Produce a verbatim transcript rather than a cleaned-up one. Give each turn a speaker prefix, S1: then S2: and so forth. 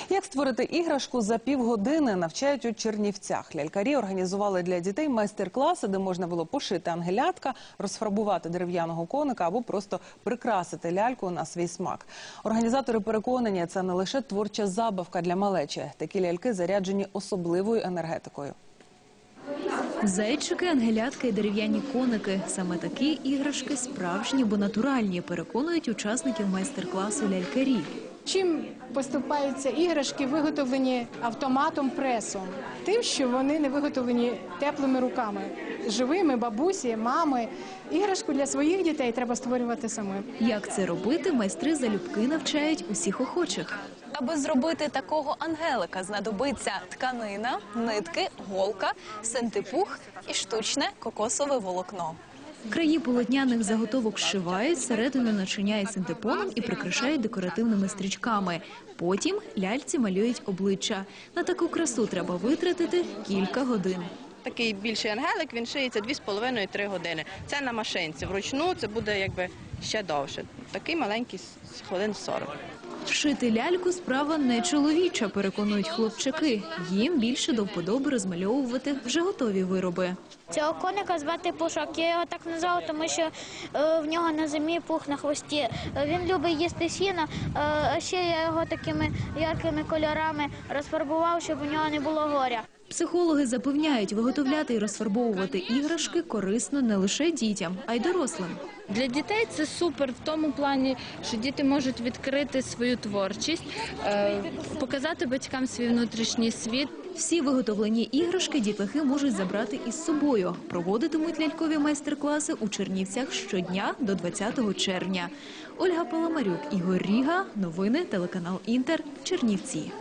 S1: Як створити іграшку за півгодини, навчають у Чернівцях. Лялькарі організували для дітей майстер-класи, де можна було пошити ангелятка, розфарбувати дерев'яного коника або просто прикрасити ляльку на свій смак. Організатори переконані, це не лише творча забавка для малечі. Такі ляльки заряджені особливою енергетикою.
S2: Зайчики, ангелятки і дерев'яні коники – саме такі іграшки справжні, бо натуральні, переконують учасників майстер-класу лялькарі.
S3: Чим поступаються іграшки, виготовлені автоматом, пресом? Тим, що вони не виготовлені теплими руками, живими, бабусі, мами. Іграшку для своїх дітей треба створювати самим.
S2: Як це робити, майстри залюбки навчають усіх охочих.
S4: Аби зробити такого ангелика, знадобиться тканина, нитки, голка, синтепух і штучне кокосове волокно.
S2: Краї полотняних заготовок зшивають, середину начиняють синтепоном і прикрашають декоративними стрічками. Потім ляльці малюють обличчя. На таку красу треба витратити кілька годин.
S5: Такий більший ангелик, він шиється дві з половиною - три години. Це на машинці. Вручну це буде якби ще довше. Такий маленький – хвилин сорок.
S2: Шити ляльку – справа не чоловіча, переконують хлопчаки. Їм більше до вподоби розмальовувати вже готові вироби.
S6: Цього коника звати Пушок. Я його так назвала, тому що е, в нього на зимі пух на хвості. Е, він любить їсти сіно, е, а ще я його такими яркими кольорами розфарбував, щоб у нього не було горя.
S2: Психологи запевняють, виготовляти і розфарбовувати іграшки корисно не лише дітям, а й дорослим.
S7: Для дітей це супер в тому плані, що діти можуть відкрити свою творчість, показати батькам свій внутрішній світ.
S2: Всі виготовлені іграшки дітлахи можуть забрати із собою. Проводитимуть лялькові майстер-класи у Чернівцях щодня до двадцятого червня. Ольга Паламарюк, Ігор Ріга. Новини телеканал Інтер. Чернівці.